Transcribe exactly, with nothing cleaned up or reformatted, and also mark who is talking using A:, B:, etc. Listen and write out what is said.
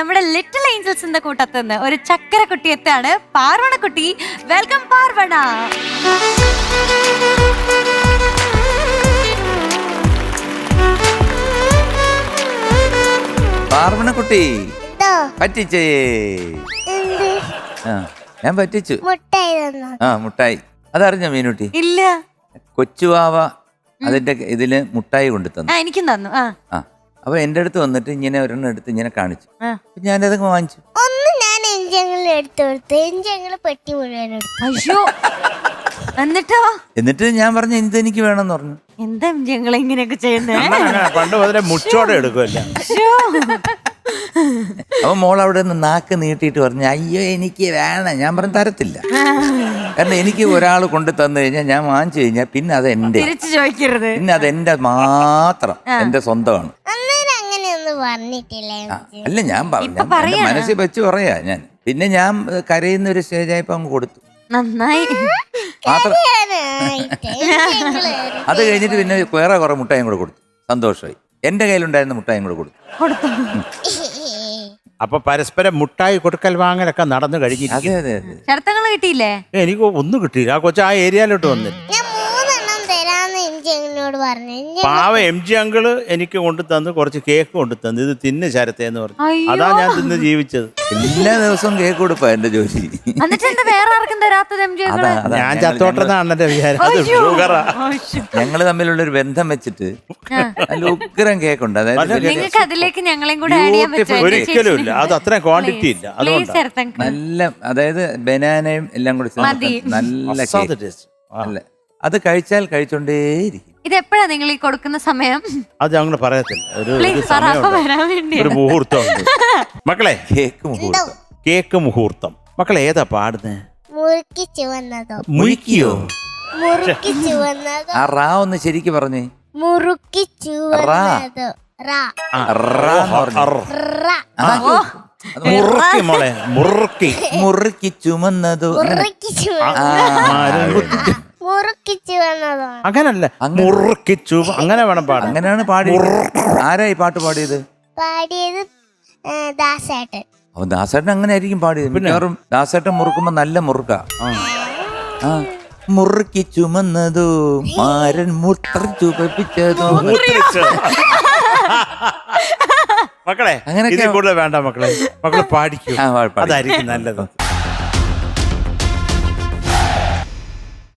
A: നമ്മുടെ ലിറ്റിൽ ഏഞ്ചൽസിന്റെ കൂട്ടത്തുനിന്ന് ഒരു ചക്കര കുട്ടി എത്താണ്. പാർവണ കുട്ടി. വെൽക്കം പാർവണ.
B: പാർവണ കുട്ടി പറ്റിച്ചേ. ആ ഞാൻ പറ്റിച്ചു. ആ മുട്ടായി അതറിഞ്ഞോ മീനുട്ടി?
A: ഇല്ല.
B: കൊച്ചുവാവ അതിന്റെ ഇതില് മുട്ടായി കൊണ്ടു തന്നു.
A: എനിക്കും തന്നു. ആ
B: അപ്പൊ എന്റെ അടുത്ത് വന്നിട്ട് ഇങ്ങനെ ഒരെണ്ണം എടുത്ത് ഇങ്ങനെ കാണിച്ചു. ഞാനത് വാങ്ങിച്ചു.
C: ഒന്ന് ഞാൻ എഞ്ചങ്ങൾ എടുത്തു കൊടുത്തു. എഞ്ചങ്ങൾ പെട്ടി മുഴുവൻ എടുത്തു.
A: അയ്യോ. എന്നിട്ടോ?
B: എന്നിട്ട് ഞാൻ പറഞ്ഞു എന്ത് എനിക്ക് വേണമെന്ന് പറഞ്ഞു.
A: എന്താ ഞങ്ങൾ ഇങ്ങനെയൊക്കെ ചെയ്യുന്നേ?
D: പണ്ട് മുതലേ മുച്ചോടെ എടുക്കുമല്ല.
B: അപ്പൊ മോൾ അവിടെ നിന്ന് നാക്ക് നീട്ടിയിട്ട് പറഞ്ഞു അയ്യോ എനിക്ക് വേണം. ഞാൻ പറഞ്ഞു തരത്തില്ല. കാരണം എനിക്ക് ഒരാൾ കൊണ്ടു തന്നു കഴിഞ്ഞാൽ ഞാൻ വാങ്ങിച്ചു കഴിഞ്ഞാൽ പിന്നെ അത് എന്റെ
A: തിരിച്ചു ചോദിക്കരുത്.
B: പിന്നെ അത് എന്റെ മാത്രം എന്റെ സ്വന്തമാണ്.
C: അങ്ങനെയൊന്നും പറഞ്ഞിട്ടില്ല.
B: അല്ല ഞാൻ പറഞ്ഞു മനസ്സിൽ വെച്ച് പറയാ ഞാൻ. പിന്നെ ഞാൻ കരയുന്ന ഒരു സ്റ്റേജായപ്പോ അങ്ങ് കൊടുത്തു.
A: നന്നായി.
B: മാത്രം അത് കഴിഞ്ഞിട്ട് പിന്നെ വേറെ കുറെ മുട്ടായും കൂടെ കൊടുത്തു. സന്തോഷമായി. എന്റെ കയ്യിലുണ്ടായിരുന്ന മുട്ടായും കൂടെ കൊടുത്തു.
D: അപ്പൊ പരസ്പരം മുട്ടായി കൊടുക്കൽ വാങ്ങലൊക്കെ നടന്നു കഴിഞ്ഞിരിക്കും.
B: അതെ അതെ അതെ.
A: ശരത്തങ്ങൾ കിട്ടിയില്ലേ?
D: എനിക്ക് ഒന്നും കിട്ടിയില്ല. ആ കൊച്ചു ആ ഏരിയയിലോട്ട് വന്നില്ല. പാവ എം ജി അങ്കിള് എനിക്ക് കൊണ്ടു തന്ന് കുറച്ച് കേക്ക് കൊണ്ടു തന്നു. ഇത് തിന്ന് ശരത്തേന്ന് പറഞ്ഞു. അതാ ഞാൻ തിന്ന് ജീവിച്ചത്.
B: എല്ലാ ദിവസവും കേക്ക് കൊടുപ്പാ എന്റെ ജോലി.
D: ഞാൻ ചത്തോട്ടെന്നാണ് എന്റെ വിചാരം. അത് ഷുഗറാ.
B: ഞങ്ങള് തമ്മിലുള്ള ഒരു ബന്ധം വെച്ചിട്ട് നല്ല ഉഗ്രം കേക്കുണ്ട്. അതായത്
A: നിങ്ങൾക്ക് അതിലേക്ക് ഞങ്ങളെയും കൂടെ ആഡ് ചെയ്യാൻ പറ്റുമോ?
D: ഒരിക്കലും ഇല്ല. അത് അത്രയും ക്വാണ്ടിറ്റി ഇല്ല. അതുകൊണ്ട്
B: നല്ല അതായത് ബനാനയും എല്ലാം കൂടി നല്ല കേക്ക്. അല്ല അത് കഴിച്ചാൽ കഴിച്ചോണ്ടേയിരിക്കും.
A: ഇതെപ്പോഴാ നിങ്ങൾ ഈ കൊടുക്കുന്ന സമയം?
D: അത് ഞങ്ങൾ പറയത്തില്ല. ഒരു
A: ഒരു
D: മുഹൂർത്തം. മക്കളെ
B: കേക്ക് മുഹൂർത്തം.
D: കേക്ക് മുഹൂർത്തം. മക്കളെ ഏതാ പാടുന്നേ?
C: മുറുക്കി ചുവന്നതോ?
B: മുറിക്കിയോ?
C: മുറുക്കി ചുവന്നതോ?
B: ആ റാ ഒന്ന് ശരിക്ക് പറഞ്ഞേ.
C: മുറുക്കി ചുവന്നതോ?
D: മുറുക്കി മോളെ. മുറുക്കി
B: മുറുക്കി ചുമന്നതോ?
C: മുറുക്കിച്ചു വന്നതോ?
D: അങ്ങനല്ല, മുറുക്കിച്ചു. അങ്ങനെ വേണം പാടാൻ.
B: അങ്ങനെയാണ് പാടി. ആരാ ഈ പാട്ട് പാടിയത്?
C: പാടിയത് ദാസേട്ടൻ.
B: അപ്പൊ ദാസേട്ടൻ അങ്ങനെ ആയിരിക്കും പാടിയത്. മിക്കവാറും ദാസേട്ടൻ മുറുക്കുമ്പോ നല്ല മുറുക്ക. ആ മുറുക്കി ചുമന്നതോ മാരൻ മൂത്രം ചുമപ്പിച്ചതോ.
D: മക്കളെ അങ്ങനെ കൂടുതൽ വേണ്ട മക്കളെ. മക്കളെ പാടിക്കൂ. അതായിരിക്കും നല്ലത്.